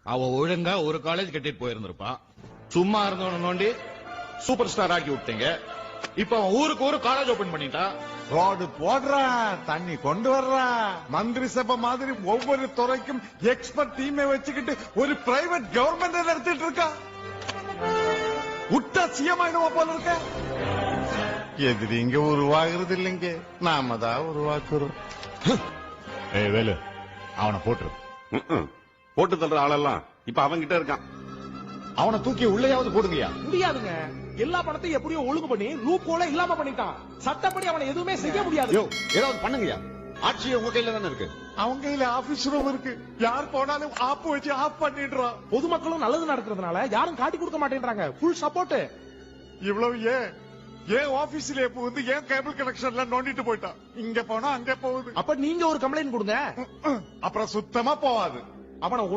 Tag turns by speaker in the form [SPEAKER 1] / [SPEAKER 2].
[SPEAKER 1] அவ ஒழுங்கா ஒரு காலேஜ் கட்டிட்டு போயிருந்திருப்பான். சும்மா இருந்தவன நோண்டி சூப்பர் ஸ்டார் ஆக்கி விட்டீங்க. இப்ப அவன் ஊருக்கு ஒரு காலேஜ் ஓபன் பண்ணிட்டான்.
[SPEAKER 2] ரோடு போடுறா, தண்ணி கொண்டு வர்றா, மந்திரி சபை மாதிரி ஒவ்வொரு துறைக்கும் எக்ஸ்பர்ட் டீமை வச்சுக்கிட்டு ஒரு பிரைவேட் கவர்மெண்ட் நடத்திட்டு இருக்கா. விட்டா சிஎம் ஆயிடுவா போல இருக்க. எதிரி இங்க உருவாகிறது இல்லைங்க, நாம தான் உருவாக்குறோம்.
[SPEAKER 1] ஏய் வேலு, அவனை போட்டுரு.
[SPEAKER 3] போட்டு தள்ளுற ஆளெல்லாம் இப்ப அவன்கிட்ட இருக்கான்.
[SPEAKER 1] அவனை தூக்கி உள்ளேயாவது போடுங்கயா.
[SPEAKER 4] முடியாதுங்க. எல்லா பணத்தையும் எப்படியோ ஒழுங்கு பண்ணி லூப் ஹோல இல்லாம பண்ணிட்டான். சட்டப்படி அவனை எதுவுமே செய்ய முடியாது.
[SPEAKER 1] ஏதாவது பண்ணுங்கயா. ஆட்சி உங்க கையில தானே இருக்கு.
[SPEAKER 2] அவங்க கையில ஆபீஸ் ரூம் இருக்கு. யார் போனாலும் ஆப் வச்சு ஆஃப் பண்ணிடுறான்.
[SPEAKER 4] பொதுமக்களும் நல்லது நடக்கிறதுனால யாரும் காட்டி கொடுக்க மாட்டேன்றாங்க. Full support.
[SPEAKER 2] இவ்வளவு ஏன் ஆபீஸ்ல வந்து ஏன் கேபிள் கனெக்ஷன்ல நோண்டிட்டு போயிட்டான். இங்க போனா அங்க போகுது.
[SPEAKER 4] அப்ப நீங்க ஒரு கம்ப்ளைண்ட் கொடுங்க.
[SPEAKER 2] அப்புறம் சுத்தமா போவாது.
[SPEAKER 4] அவனை